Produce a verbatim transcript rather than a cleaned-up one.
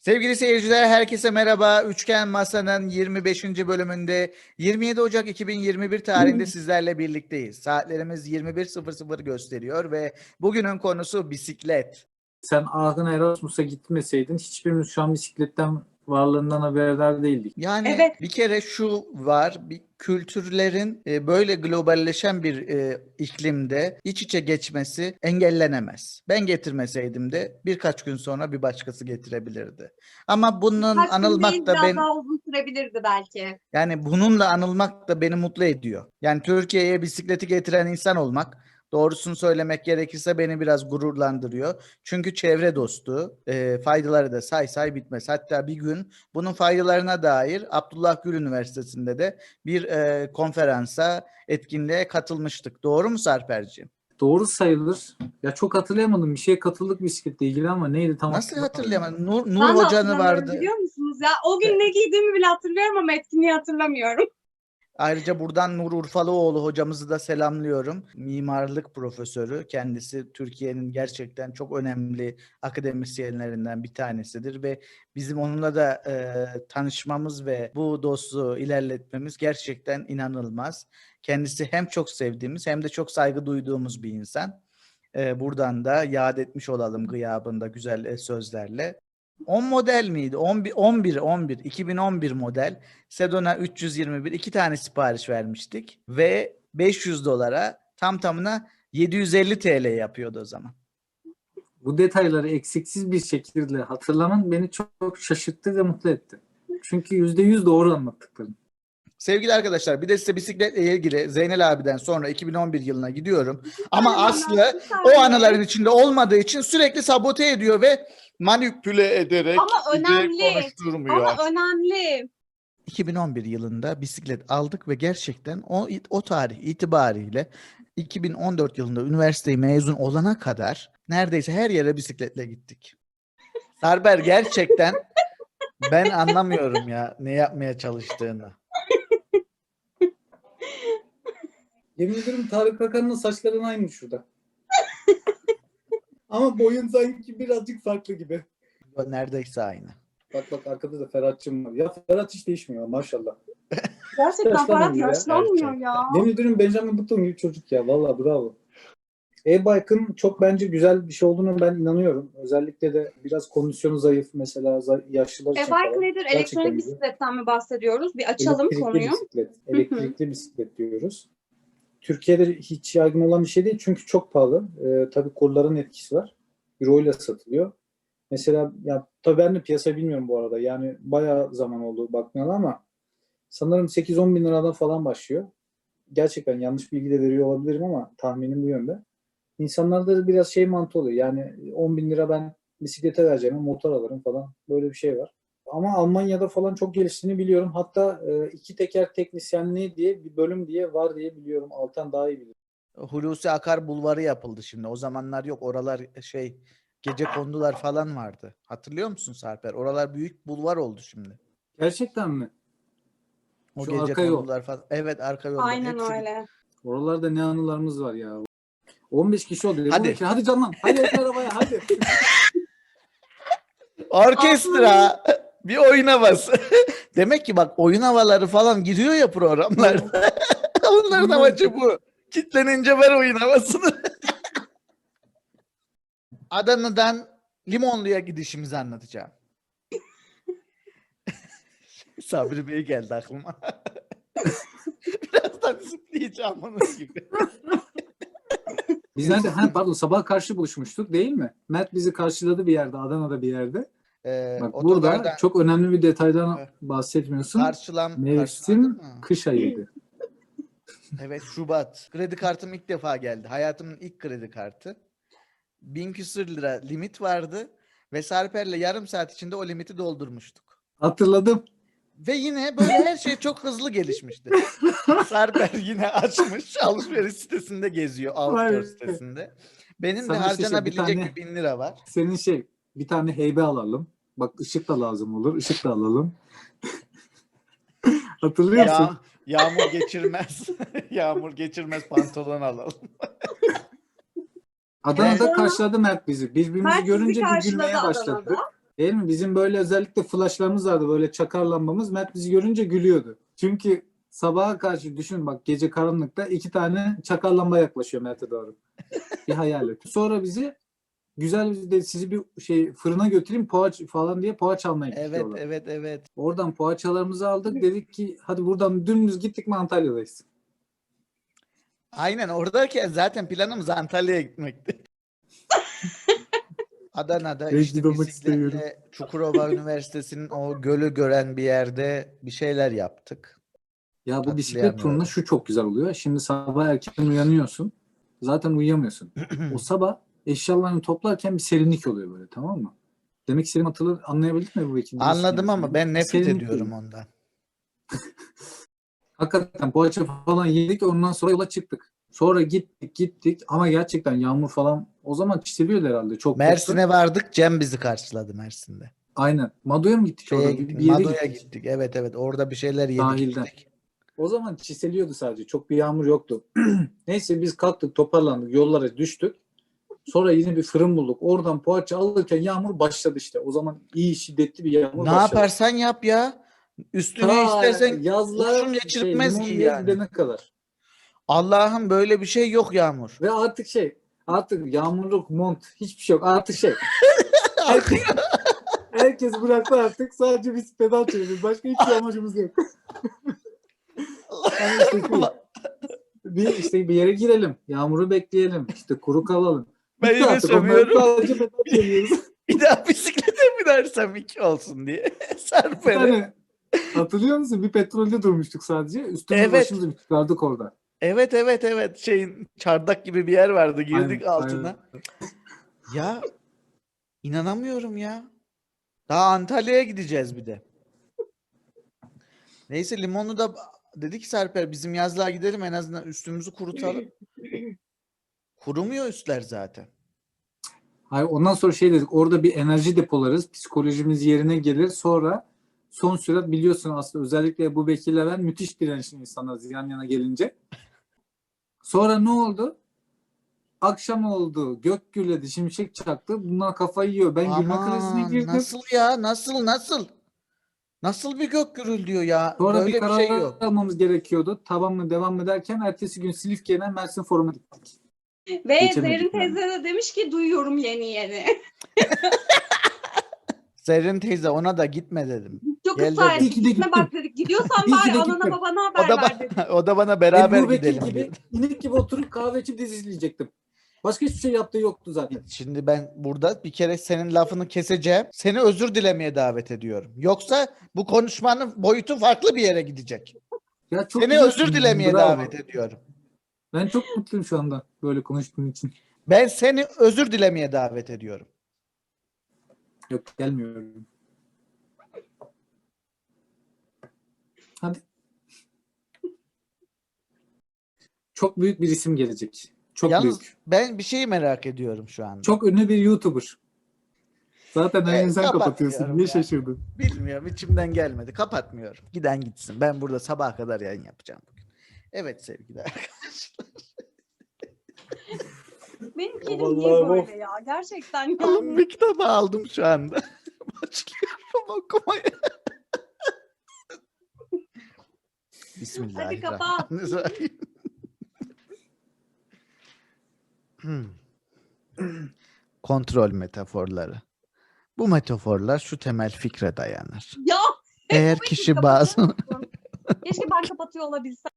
Sevgili seyirciler, herkese merhaba. Üçgen Masa'nın yirmi beşinci bölümünde yirmi yedi Ocak iki bin yirmi bir tarihinde sizlerle birlikteyiz. Saatlerimiz yirmi bir sıfır sıfır gösteriyor ve bugünün konusu bisiklet. Sen Aachen Erasmus'a gitmeseydin hiçbirimiz şu an bisikletten varlığından haberdar değildik. Yani Evet. bir kere şu var, bir kültürlerin e, böyle globalleşen bir e, iklimde iç içe geçmesi engellenemez. Ben getirmeseydim de birkaç gün sonra bir başkası getirebilirdi. Ama bunun Kaç gün anılmak değil, da biraz ben daha uzun sürebilirdi belki. yani bununla anılmak da beni mutlu ediyor. Yani Türkiye'ye bisikleti getiren insan olmak, doğrusunu söylemek gerekirse beni biraz gururlandırıyor. Çünkü çevre dostu, e, faydaları da say say bitmez. Hatta bir gün bunun faydalarına dair Abdullah Gül Üniversitesi'nde de bir e, konferansa, etkinliğe katılmıştık. Doğru mu Sarperciğim? Doğru sayılır. Ya çok hatırlayamadım. Bir şeye katıldık bisikletle ilgili ama neydi tam Nasıl hatırlamıyorum. hatırlayamadım? Nur, Nur Ben de Hoca'nı hatırlamıyorum, vardı. biliyor musunuz ya? O gün ne giydiğimi bile hatırlıyorum ama etkinliği hatırlamıyorum. Ayrıca buradan Nur Urfalıoğlu hocamızı da selamlıyorum. Mimarlık profesörü. Kendisi Türkiye'nin gerçekten çok önemli akademisyenlerinden bir tanesidir ve bizim onunla da e, tanışmamız ve bu dostluğu ilerletmemiz gerçekten inanılmaz. Kendisi hem çok sevdiğimiz hem de çok saygı duyduğumuz bir insan. E, buradan da yad etmiş olalım gıyabında güzel e, sözlerle. on model miydi? on bir, on bir, on bir, iki bin on bir model Sedona üç yüz yirmi bir iki tane sipariş vermiştik ve beş yüz dolara tam tamına yedi yüz elli T L yapıyordu o zaman. Bu detayları eksiksiz bir şekilde hatırlaman beni çok, çok şaşırttı ve mutlu etti. Çünkü yüzde yüz doğru anlattıkların. Sevgili arkadaşlar, bir de size bisikletle ilgili Zeynel abiden sonra iki bin on bir yılına gidiyorum. Ama Aynen, Aslı bir o saniye. anıların içinde olmadığı için sürekli sabote ediyor ve manipüle ederek Ama bizi önemli. konuşturmuyor. Ama önemli. iki bin on bir yılında bisiklet aldık ve gerçekten o, o tarih itibariyle iki bin on dört yılında üniversiteyi mezun olana kadar neredeyse her yere bisikletle gittik. Sarber, gerçekten ben anlamıyorum ya ne yapmaya çalıştığını. Yemin ederim Tarık Akan'ın saçların aynı şurada. Ama boyun sanki birazcık farklı gibi. Neredeyse aynı. Bak bak arkada da Ferhat'cığım var. Ya Ferhat hiç değişmiyor maşallah. Gerçekten Yaşlanmıyor Ferhat ya. yaşlanmıyor Gerçekten. ya. Yemin ederim Benjamin Button gibi çocuk ya. Vallahi bravo. E-bike'ın çok bence güzel bir şey olduğunu ben inanıyorum. Özellikle de biraz kondisyonu zayıf mesela za- yaşlılar için E-bike falan. nedir? Gerçekten Elektronik güzel. bisikletten mi bahsediyoruz? Bir açalım Elektrikli konuyu. bisiklet. Elektrikli bisiklet diyoruz. Türkiye'de hiç yaygın olan bir şey değil çünkü çok pahalı. Ee, tabii kurların etkisi var. Euro ile satılıyor. Mesela ya tabii ben de piyasa bilmiyorum bu arada. Yani bayağı zaman oldu bakmayalı ama sanırım sekiz on bin liradan falan başlıyor. Gerçekten yanlış bilgi de veriyor olabilirim ama tahminim bu yönde. İnsanlarda da biraz şey mantığı oluyor. Yani on bin lira ben bisiklete vereceğim, motor alırım falan. Böyle bir şey var. Ama Almanya'da falan çok geliştiğini biliyorum. Hatta e, iki teker teknisyenliği diye bir bölüm diye var diye biliyorum. Altan daha iyi bilir. Hulusi Akar Bulvarı yapıldı şimdi. O zamanlar yok. Oralar şey gecekondular falan vardı. Hatırlıyor musun Sarper? Oralar büyük bulvar oldu şimdi. Gerçekten mi? O Şu arka yol. gecekondular falan. Evet, arka yolda. Aynen Hepsi öyle. Oralarda ne anılarımız var ya. on beş kişi oldu. Hadi. Hadi. Hadi canım. Hadi otur arabaya hadi. Orkestra bir oyun havası. Demek ki bak oyun havaları falan giriyor ya programlarda. Onların amacı bu. Kitlenince ver oyun havasını. Adana'dan Limonlu'ya gidişimizi anlatacağım. Sabri Bey geldi aklıma. Birazdan zıplayacağım onun gibi. Biz nerede? Ha, pardon sabah karşı buluşmuştuk değil mi? Mert bizi karşıladı bir yerde. Adana'da bir yerde. Ee, Bak otogarda burada çok önemli bir detaydan Evet. bahsetmiyorsun. karşılam, Mevsim karşıladın mı? kış ayıydı. Evet, Şubat. Kredi kartım ilk defa geldi. Hayatımın ilk kredi kartı. Bin küsür lira limit vardı ve Sarper'le yarım saat içinde o limiti doldurmuştuk. Hatırladım. Ve yine böyle her şey çok hızlı gelişmişti. Sarper yine açmış, alışveriş sitesinde geziyor, outdoor Vay. sitesinde. Benim de Sana işte şey, bir harcanabilecek tane- bir bin lira var. Senin şey bir tane heybe alalım. Bak ışık da lazım olur. Işık da alalım. Hatırlıyor musun? Ya, yağmur geçirmez, yağmur geçirmez pantolon alalım. Adana'da Sonra- karşıladı Mert bizi. Birbirimizi Mert sizi görünce bir karşıladı gülmeye başladık. Adana'da. Değil mi? Bizim böyle özellikle flashlarımız vardı. Böyle çakar lambamız. Mert bizi görünce gülüyordu. Çünkü sabaha karşı düşün bak gece karanlıkta iki tane çakar lamba yaklaşıyor Mert'e doğru. Bir hayal et. Sonra bizi güzel bir de sizi bir şey fırına götüreyim poğaç falan diye poğaça almaya Evet, gidiyorlar. evet, evet. Oradan poğaçalarımızı aldık. Dedik ki hadi buradan dümdüz gittik mi Antalya'dayız. Aynen oradayken zaten planımız Antalya'ya gitmekti. Adana'da Rezil işte olmak istemiyorum. bisikletle Çukurova Üniversitesi'nin o gölü gören bir yerde bir şeyler yaptık. Ya bu bisiklet Hatırlayamıyorum. turunda şu çok güzel oluyor. Şimdi sabah erken uyanıyorsun. Zaten uyuyamıyorsun. O sabah eşyalarını toplarken bir serinlik oluyor böyle, tamam mı? Demek istediğimi hatırladın, anlayabildin mi bu ikinci? Anladım ama ben nefret Serinlik ediyorum oluyor. ondan. Hakikaten poğaça falan yedik, ondan sonra yola çıktık. Sonra gittik gittik ama gerçekten yağmur falan o zaman çiseliyordu herhalde. Çok koptu. Mersin'e vardık. Cem bizi karşıladı Mersin'de. Aynen. Madoya mı gittik Şeye orada? Bir, gittik. bir yere Mado'ya gittik. gittik. Evet evet. Orada bir şeyler yedik. Sahilden. içtik. O zaman çiseliyordu sadece. Çok bir yağmur yoktu. Neyse biz kalktık, toparlandık, yollara düştük. Sonra yine bir fırın bulduk. Oradan poğaça alırken yağmur başladı işte. O zaman iyi şiddetli bir yağmur Ne başladı. yaparsan yap ya. Üstüne Ta istersen yazlar kurşun şey, geçirtmez limon giy diye yani. gidene kadar. Allah'ım böyle bir şey yok Yağmur. Ve artık şey artık yağmurluk mont hiçbir şey yok. Artık şey herkes, herkes bıraktı artık. Sadece biz pedal çeviriyoruz. Başka hiçbir amacımız yok. Yani işte, bir, işte bir yere girelim. Yağmuru bekleyelim. İşte kuru kalalım. Ben Bitti yine artık. Onları sövüyorum. sadece pedal çeviriyoruz. Bir daha bisiklete binersem iki olsun diye. Bir Serperi. tane hatırlıyor musun? Bir petrolde durmuştuk sadece. Üstümüzü Evet. başımızı bir çıkardık orada. Evet evet evet. Şeyin çardak gibi bir yer vardı. Girdik Aynen, altına. aynen. Ya inanamıyorum ya. Daha Antalya'ya gideceğiz bir de. Neyse limonu da dedi ki Serper bizim yazlığa gidelim en azından üstümüzü kurutalım. Kurumuyor üstler zaten. Hayır, ondan sonra şey dedik, orada bir enerji depolarız, psikolojimiz yerine gelir, sonra son sürat biliyorsun aslında özellikle Ebu Bekir'le ben müthiş dirençli insanlarız yan yana gelince. Sonra ne oldu? Akşam oldu, gök gürledi, şimşek çaktı, bunlar kafayı yiyor. Ben gülme krizine Aman girdim. nasıl ya nasıl nasıl? Nasıl bir gök gürülüyor ya? Sonra Böyle bir bir karar şey yok. almamız gerekiyordu. Tamam mı devam mı derken ertesi gün Silifke'den Mersin Forum'a gittik. Ve Geçemedik Zerrin yani. teyze de demiş ki duyuyorum yeni yeni. Zerrin teyze ona da gitme dedim. Çok Gel ısrar dedim. İyi ettik. ki de Gitme gittim. bak dedik. Gidiyorsan İyi ki bari de anana gittim. babana O haber da, ver dedik. ba- o da bana beraber Ebu Bekir gidelim gibi, dedi. inek gibi oturup kahve içip dizi izleyecektim. Başka hiçbir şey yaptığı yoktu zaten. Şimdi ben burada bir kere senin lafını keseceğim. Seni özür dilemeye davet ediyorum. Yoksa bu konuşmanın boyutu farklı bir yere gidecek. Ya çok Seni güzelsin, özür dilemeye bravo. davet ediyorum. Ben çok mutluyum şu anda böyle konuştuğum için. Ben seni özür dilemeye davet ediyorum. Yok, gelmiyorum. Hadi. Çok büyük bir isim gelecek. Çok Yalnız büyük. ben bir şeyi merak ediyorum şu anda. Çok ünlü bir YouTuber. Zaten her Evet, gün sen kapatıyorsun. kapatmıyorum Niye ya. şaşırdın? Bilmiyorum içimden gelmedi. Kapatmıyorum. Giden gitsin. Ben burada sabaha kadar yayın yapacağım bugün. Evet sevgili arkadaşlar. Benim kedim niye Vallahi böyle ya? Gerçekten ya. Oğlum bir kitabı aldım şu anda. Başlıyorum okumaya. Bismillahirrahmanirrahim. Hmm. Kontrol metaforları. Bu metaforlar şu temel fikre dayanır. Ya Eğer bu kişi kapatır bazı mısın? Keşke ben kapatıyor olabilsem.